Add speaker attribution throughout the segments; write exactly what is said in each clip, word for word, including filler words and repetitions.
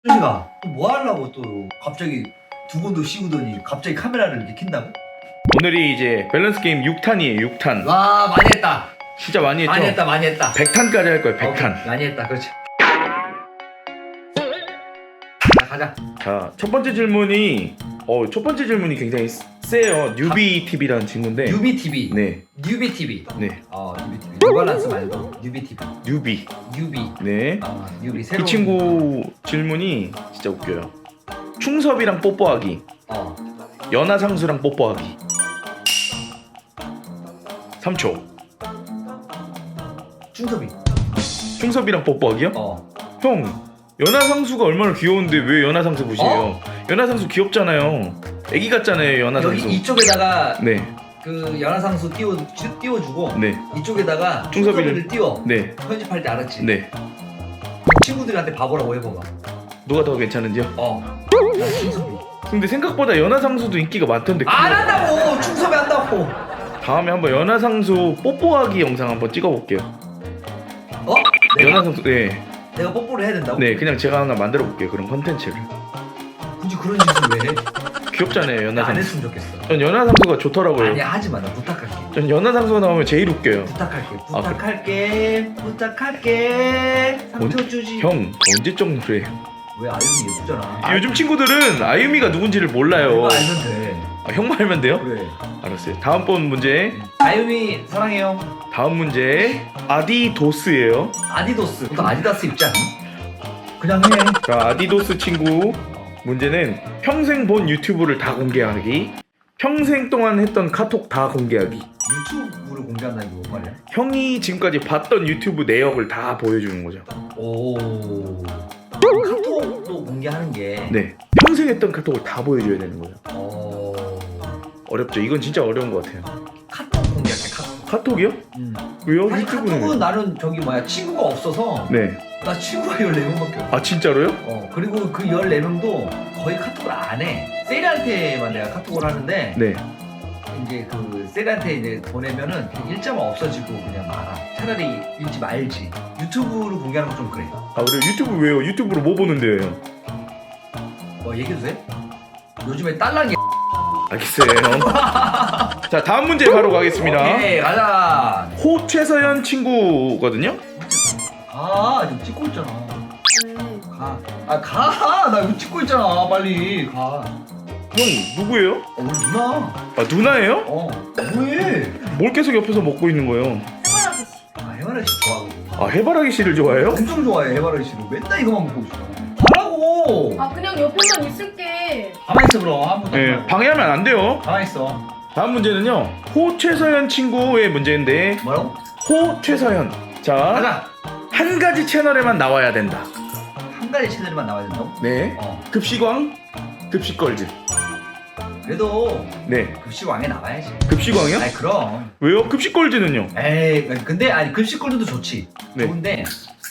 Speaker 1: 현식아, 뭐 하려고 또 갑자기 두건도 씌우더니 갑자기 카메라를 이렇게 킨다고?
Speaker 2: 오늘이 이제 밸런스 게임 육 탄이에요. 육 탄.
Speaker 1: 와, 많이 했다.
Speaker 2: 진짜 많이 했죠?
Speaker 1: 많이 했다, 많이 했다.
Speaker 2: 백 탄까지 할 거예요. 백 탄.
Speaker 1: 어, 많이 했다, 그렇지. 자, 가자.
Speaker 2: 자, 첫 번째 질문이 어, 첫 번째 질문이 굉장히 세요. 뉴비 티비라는 친구인데.
Speaker 1: 뉴비 티비.
Speaker 2: 네.
Speaker 1: 뉴비 티비.
Speaker 2: 네.
Speaker 1: 어, 뉴비 티비. 뉴발란스 말고 뉴비 티비.
Speaker 2: 뉴비.
Speaker 1: 뉴비.
Speaker 2: 네.
Speaker 1: 아, 뉴비
Speaker 2: 이
Speaker 1: 새로운.
Speaker 2: 친구 질문이 진짜 웃겨요. 충섭이랑 뽀뽀하기.
Speaker 1: 어.
Speaker 2: 연하상수랑 뽀뽀하기. 삼 초.
Speaker 1: 충섭이.
Speaker 2: 충섭이랑 뽀뽀하기요?
Speaker 1: 어.
Speaker 2: 형, 연하상수가 얼마나 귀여운데 왜 연하상수 보시래요?
Speaker 1: 어?
Speaker 2: 연하상수 귀엽잖아요. 애기 같잖아요, 연하상수.
Speaker 1: 여기 이쪽에다가
Speaker 2: 네.
Speaker 1: 그 연하상수 띄워 띄워주고
Speaker 2: 네.
Speaker 1: 이쪽에다가
Speaker 2: 충섭이를-
Speaker 1: 충섭이를 띄워.
Speaker 2: 네.
Speaker 1: 편집할 때 알았지?
Speaker 2: 네.
Speaker 1: 친구들한테 바보라고 해봐봐.
Speaker 2: 누가 더 괜찮은지요?
Speaker 1: 어. 나 충섭이.
Speaker 2: 근데 생각보다 연하상수도 인기가 많던데.
Speaker 1: 안 한다고! 충섭이 한다고!
Speaker 2: 다음에 한번 연하상수 뽀뽀하기 영상 한번 찍어볼게요.
Speaker 1: 어? 내가?
Speaker 2: 연하상수, 네.
Speaker 1: 내가 뽀뽀를 해야 된다고?
Speaker 2: 네, 그냥 제가 하나 만들어 볼게요. 그런 컨텐츠를.
Speaker 1: 굳이 그런 짓을 왜 해?
Speaker 2: 귀엽잖아요,
Speaker 1: 나 안
Speaker 2: 연하상수.
Speaker 1: 했으면 좋겠어.
Speaker 2: 전 연하상수가 좋더라고요.
Speaker 1: 아니야, 하지마. 나 부탁할게.
Speaker 2: 전 연하상수가 나오면 제일 웃겨요.
Speaker 1: 부탁할게.
Speaker 2: 아,
Speaker 1: 부탁할게. 부탁할게. 삼 초 주지.
Speaker 2: 형, 언제 정도래요?
Speaker 1: 왜 아유미 예쁘잖아.
Speaker 2: 아, 요즘 친구들은 아유미가 누군지를 몰라요.
Speaker 1: 이거 알면 돼.
Speaker 2: 아, 형만 알면 돼요?
Speaker 1: 그래.
Speaker 2: 알았어요. 다음번 문제.
Speaker 1: 아유미 사랑해요.
Speaker 2: 다음 문제. 아디도스예요.
Speaker 1: 아디도스. 너 아디다스 입지 않니? 그냥 해.
Speaker 2: 자, 아디도스 친구. 문제는 평생 본 유튜브를 다 공개하기. 평생 동안 했던 카톡 다 공개하기.
Speaker 1: 유튜브를 공개한다는 게 뭔 말이야?
Speaker 2: 형이 지금까지 봤던 유튜브 내역을 다 보여주는 거죠.
Speaker 1: 오. 카톡도 공개하는 게.
Speaker 2: 네. 평생 했던 카톡을 다 보여줘야 되는 거죠.
Speaker 1: 어.
Speaker 2: 어렵죠. 이건 진짜 어려운 것 같아요.
Speaker 1: 카톡 공개할게. 카톡.
Speaker 2: 카톡이요?
Speaker 1: 음.
Speaker 2: 왜요?
Speaker 1: 아니
Speaker 2: 유튜브는?
Speaker 1: 카톡은 나는 저기 뭐야 친구가 없어서.
Speaker 2: 네.
Speaker 1: 나 친구가 열네 명밖에 없어.
Speaker 2: 아, 진짜로요?
Speaker 1: 어 그리고 그 열네 명도 거의 카톡을 안 해. 세리한테만 내가 카톡을 하는데
Speaker 2: 네.
Speaker 1: 이제 그 세리한테 이제 보내면은 그냥 일자만 없어지고 그냥 말아. 차라리 읽지 말지. 유튜브로 공개하는 건 좀 그래.
Speaker 2: 아, 그래요? 유튜브 왜요? 유튜브로 뭐 보는데요?
Speaker 1: 뭐 얘기해도 돼? 요즘에 딸랑이.
Speaker 2: 알겠어요. 자, 다음 문제 바로 가겠습니다.
Speaker 1: 오케이 가자.
Speaker 2: 호 최서연 친구거든요.
Speaker 1: 가 지금 찍고 있잖아. 가. 아 가. 나 이거 찍고 있잖아. 빨리 가.
Speaker 2: 형 누구예요?
Speaker 1: 어, 우리 누나.
Speaker 2: 아, 누나예요?
Speaker 1: 어 뭐해?
Speaker 2: 뭘 계속 옆에서 먹고 있는 거예요?
Speaker 1: 아 해바라기 씨 좋아하거든.
Speaker 2: 아, 해바라기 씨를 좋아해요?
Speaker 1: 엄청 좋아해 해바라기 씨를. 맨날 이거만 먹고 있어. 가라고.
Speaker 3: 아 그냥 옆에만 있을게.
Speaker 1: 가만 있어 그럼 아무도.
Speaker 2: 네, 방해하면 안 돼요.
Speaker 1: 가만 있어.
Speaker 2: 다음 문제는요. 호 최서연 친구의 문제인데,
Speaker 1: 뭐라고?
Speaker 2: 호 최서연. 자,
Speaker 1: 가자.
Speaker 2: 한 가지 채널에만 나와야 된다.
Speaker 1: 한 가지 채널만 나와야 된다고?
Speaker 2: 네.
Speaker 1: 어.
Speaker 2: 급식왕, 급식걸즈.
Speaker 1: 그래도
Speaker 2: 네.
Speaker 1: 급식왕에 나와야지.
Speaker 2: 급식왕이요?
Speaker 1: 아니 그럼.
Speaker 2: 왜요? 급식걸즈는요?
Speaker 1: 에이 근데 아니 급식골드도 좋지.
Speaker 2: 네.
Speaker 1: 좋은데.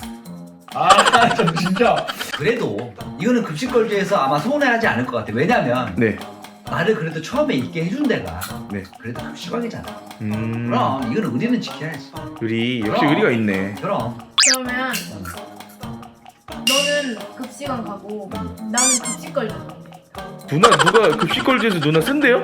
Speaker 1: 아좀 진짜. 그래도 이거는 급식골드에서 아마 서운해하지 않을 것 같아. 왜냐면
Speaker 2: 네.
Speaker 1: 나를 그래도 처음에 있게 해준 데가
Speaker 2: 네.
Speaker 1: 그래도 급식왕이잖아.
Speaker 2: 음.
Speaker 1: 그럼 이거는 의리는 지켜야지.
Speaker 2: 의리, 역시
Speaker 1: 그럼.
Speaker 2: 의리가 있네.
Speaker 1: 그럼.
Speaker 3: 그러면 너는 급식원 가고 나는 급식 걸려.
Speaker 2: 누나, 누가 급식걸즈에서 누나 쓴대요?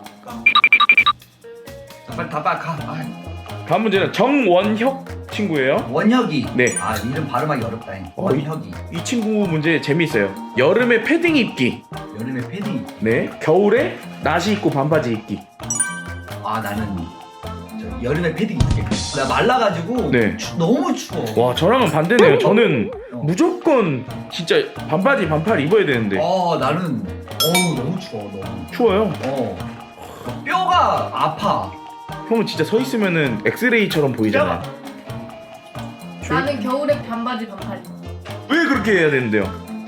Speaker 1: 자, 빨리 다 빨리 가. 아,
Speaker 2: 다음 문제는 정원혁 친구예요.
Speaker 1: 원혁이.
Speaker 2: 네.
Speaker 1: 아 이름 발음하기 어렵다. 잉.
Speaker 2: 어,
Speaker 1: 원혁이.
Speaker 2: 이 친구 문제 재미있어요. 여름에 패딩 입기.
Speaker 1: 여름에 패딩.
Speaker 2: 네. 겨울에 나시 입고 반바지 입기.
Speaker 1: 아 나는 저 여름에 패딩 입게. 나 말라가지고
Speaker 2: 네.
Speaker 1: 추- 너무 추워.
Speaker 2: 와, 저랑은 반대네요. 저는
Speaker 1: 어.
Speaker 2: 무조건 진짜 반바지 반팔 입어야 되는데.
Speaker 1: 어 나는 어우 너무 추워 너무.
Speaker 2: 추워요.
Speaker 1: 어. 뼈가 아파.
Speaker 2: 형은 진짜 서 있으면은 엑스레이처럼 보이잖아요.
Speaker 3: 나는 겨울에 반바지 반팔.
Speaker 2: 왜 그렇게 해야 되는데요?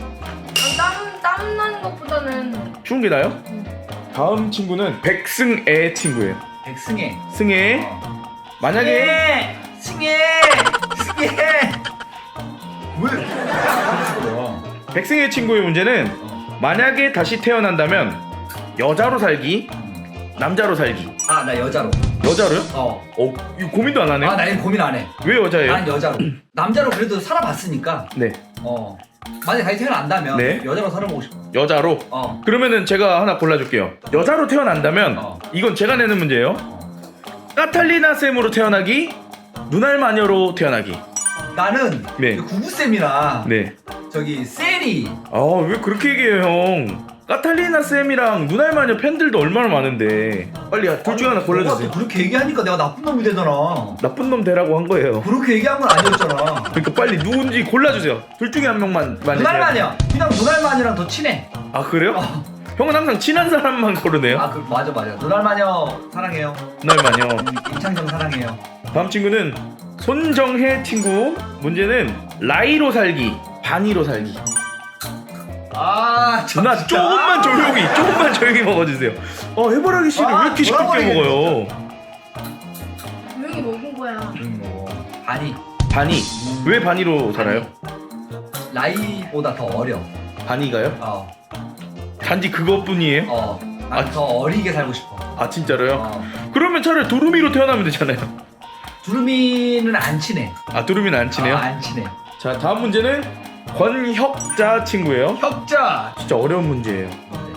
Speaker 3: 땀땀 나는 것보다는
Speaker 2: 추운 게 나요?
Speaker 3: 응.
Speaker 2: 다음 친구는 백승애 친구예요.
Speaker 1: 백승혜.
Speaker 2: 승애.
Speaker 1: 어.
Speaker 2: 만약에
Speaker 1: 승혜. 승혜. 승혜. 왜? 뭐야?
Speaker 2: 백승애 친구의 문제는
Speaker 1: 어.
Speaker 2: 만약에 다시 태어난다면 여자로 살기, 남자로 살기.
Speaker 1: 아 나 여자로.
Speaker 2: 여자로요?
Speaker 1: 어.
Speaker 2: 어, 이거 고민도 안 하네요.
Speaker 1: 아 나 이거 고민 안 해.
Speaker 2: 왜 여자예요?
Speaker 1: 난 여자로. 남자로 그래도 살아봤으니까.
Speaker 2: 네.
Speaker 1: 어. 만약에 다시 태어난다면
Speaker 2: 네.
Speaker 1: 여자로 살아보고 싶어.
Speaker 2: 여자로.
Speaker 1: 어.
Speaker 2: 그러면은 제가 하나 골라줄게요. 여자로 태어난다면
Speaker 1: 어.
Speaker 2: 이건 제가 내는 문제예요.
Speaker 1: 어.
Speaker 2: 까탈리나 쌤으로 태어나기, 눈알 마녀로 태어나기.
Speaker 1: 나는
Speaker 2: 네.
Speaker 1: 그 구구쌤이랑
Speaker 2: 네.
Speaker 1: 저기 셀이
Speaker 2: 아 왜 그렇게 얘기해요 형? 까탈리나 쌤이랑 눈알 마녀 팬들도 얼마나 많은데. 빨리 둘 중에 하나 골라주세요.
Speaker 1: 너가 그렇게 얘기하니까 내가 나쁜 놈이 되잖아.
Speaker 2: 나쁜 놈 되라고 한 거예요.
Speaker 1: 그렇게 얘기한 건 아니었잖아.
Speaker 2: 그러니까 빨리 누군지 골라주세요. 둘 중에 한 명만 만약에.
Speaker 1: 눈알마녀. 그냥 눈알마녀랑 더 친해.
Speaker 2: 아 그래요?
Speaker 1: 어.
Speaker 2: 형은 항상 친한 사람만 고르네요.
Speaker 1: 아, 그 맞아 맞아. 눈알마녀 사랑해요.
Speaker 2: 눈알 마녀.
Speaker 1: 음, 임창정 사랑해요.
Speaker 2: 다음 친구는 손정혜 친구. 문제는 라이로 살기, 바니로 살기.
Speaker 1: 아, 참,
Speaker 2: 누나
Speaker 1: 진짜.
Speaker 2: 조금만 조용히, 조금만 조용히 먹어주세요. 어 해바라기 씨를
Speaker 1: 아,
Speaker 2: 왜 이렇게 시끄럽게
Speaker 1: 돌아버리겠네,
Speaker 2: 먹어요?
Speaker 3: 조용히 먹은 거야.
Speaker 1: 음, 뭐 아니
Speaker 2: 바니. 왜 바니로 살아요?
Speaker 1: 라이보다 더 어려.
Speaker 2: 바니가요?
Speaker 1: 어,
Speaker 2: 단지 그것뿐이에요?
Speaker 1: 어. 난
Speaker 2: 아,
Speaker 1: 더 어리게 살고 싶어.
Speaker 2: 아 진짜로요?
Speaker 1: 어.
Speaker 2: 그러면 차라리 두루미로 태어나면 되잖아요.
Speaker 1: 두루미는 안 친해.
Speaker 2: 아 두루미는 안 치네요?
Speaker 1: 아, 안 친해.
Speaker 2: 자 다음 문제는 권혁자 친구예요.
Speaker 1: 혁자.
Speaker 2: 진짜 어려운 문제예요.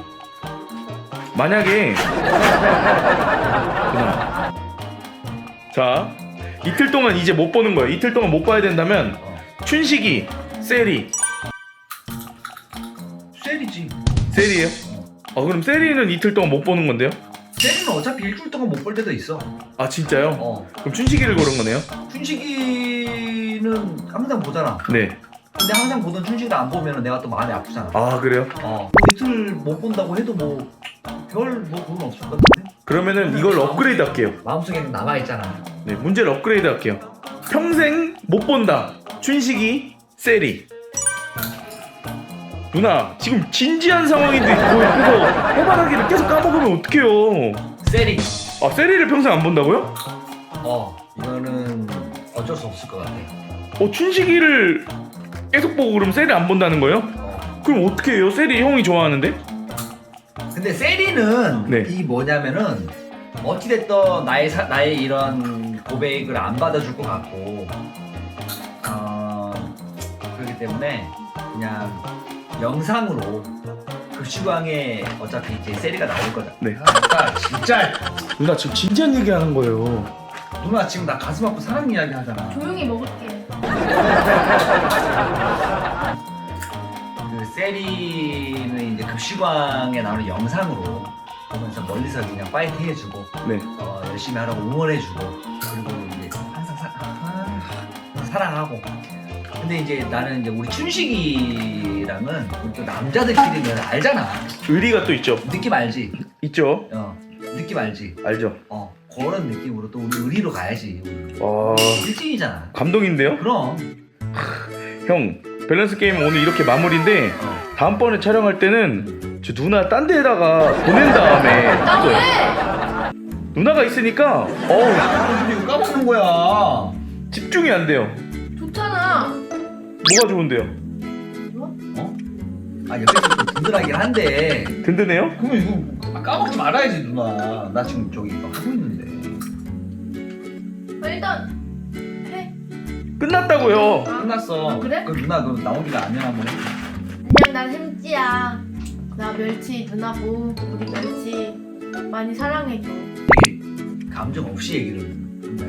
Speaker 2: 만약에 누나. 자 이틀 동안 이제 못 보는 거예요. 이틀 동안 못 봐야 된다면
Speaker 1: 어.
Speaker 2: 춘식이, 세리.
Speaker 1: 셀이지.
Speaker 2: 세리예요? 어 그럼 세리는 이틀 동안 못 보는 건데요?
Speaker 1: 셀이는 어차피 일주일 동안 못 볼 때도 있어.
Speaker 2: 아 진짜요?
Speaker 1: 어.
Speaker 2: 그럼 춘식이를 고른 거네요?
Speaker 1: 춘식이는 항상 보잖아.
Speaker 2: 네.
Speaker 1: 근데 항상 보던 춘식이를 안 보면 내가 또 마음이 아프잖아.
Speaker 2: 아 그래요?
Speaker 1: 어. 뭐 이틀 못 본다고 해도 뭐 별 뭐 그건 없을 것 같은데.
Speaker 2: 그러면은 이걸 업그레이드 할게요.
Speaker 1: 마음속에는 남아 있잖아.
Speaker 2: 네 문제를 업그레이드 할게요. 평생 못 본다. 춘식이, 세리. 누나 지금 진지한 상황인데 그거 옆에서 해바라기를 계속 까먹으면 어떡해요?
Speaker 1: 셀이.
Speaker 2: 아 세리를 평생 안 본다고요?
Speaker 1: 어. 이거는 어쩔 수 없을 것 같아.
Speaker 2: 어 춘식이를 계속 보고 그럼 세리 안 본다는 거예요?
Speaker 1: 어.
Speaker 2: 그럼 어떻게 해요? 세리 형이 좋아하는데?
Speaker 1: 근데 세리는
Speaker 2: 네.
Speaker 1: 이 뭐냐면은 어찌됐든 나의 사, 나의 이런 고백을 안 받아줄 것 같고 어, 그렇기 때문에 그냥 영상으로 급식왕에 어차피 이제 세리가 나올 거다.
Speaker 2: 네.
Speaker 1: 아, 진짜
Speaker 2: 누나 지금 진지한 얘기 하는 거예요.
Speaker 1: 누나 지금 나 가슴 아프 사랑 이야기 하잖아.
Speaker 3: 조용히 먹을게.
Speaker 1: 그 세리는 이제 급식왕에 나오는 영상으로 보면서 멀리서 그냥 파이팅 해주고
Speaker 2: 네.
Speaker 1: 어, 열심히 하라고 응원해주고 그리고 이제 항상 사, 아, 사랑하고. 근데 이제 나는 이제 우리 춘식이랑은 우리 또 남자들끼리는 알잖아.
Speaker 2: 의리가 또 있죠.
Speaker 1: 느낌 알지?
Speaker 2: 있죠.
Speaker 1: 어, 느낌 알지?
Speaker 2: 알죠.
Speaker 1: 어, 그런 느낌으로 또 우리 의리로 가야지. 우리
Speaker 2: 와
Speaker 1: 일진이잖아.
Speaker 2: 감동인데요?
Speaker 1: 그럼.
Speaker 2: 형 밸런스 게임 오늘 이렇게 마무리인데
Speaker 1: 어.
Speaker 2: 다음번에 촬영할 때는 저 누나 딴 데에다가 보낸 다음에
Speaker 3: 나
Speaker 2: 찍어요.
Speaker 3: 왜?
Speaker 2: 누나가 있으니까 어우
Speaker 1: 아, 이거 까먹는 거야.
Speaker 2: 집중이 안 돼요.
Speaker 3: 좋잖아.
Speaker 2: 뭐가 좋은데요?
Speaker 1: 어? 아, 옆에서 좀 든든하긴 한데.
Speaker 2: 든든해요?
Speaker 1: 그러면 이거 까먹지 말아야지, 누나. 나 지금 저기 이거 하고 있는데.
Speaker 3: 아, 일단 해.
Speaker 2: 끝났다고요.
Speaker 3: 아,
Speaker 1: 끝났어.
Speaker 3: 아, 그래?
Speaker 1: 그럼 누나 그럼 나오기가 안녕 한번 해.
Speaker 3: 안녕, 난 햄찌야. 나 멸치 누나고 우리 멸치 많이 사랑해줘.
Speaker 1: 되게 감정 없이 얘기를 한다.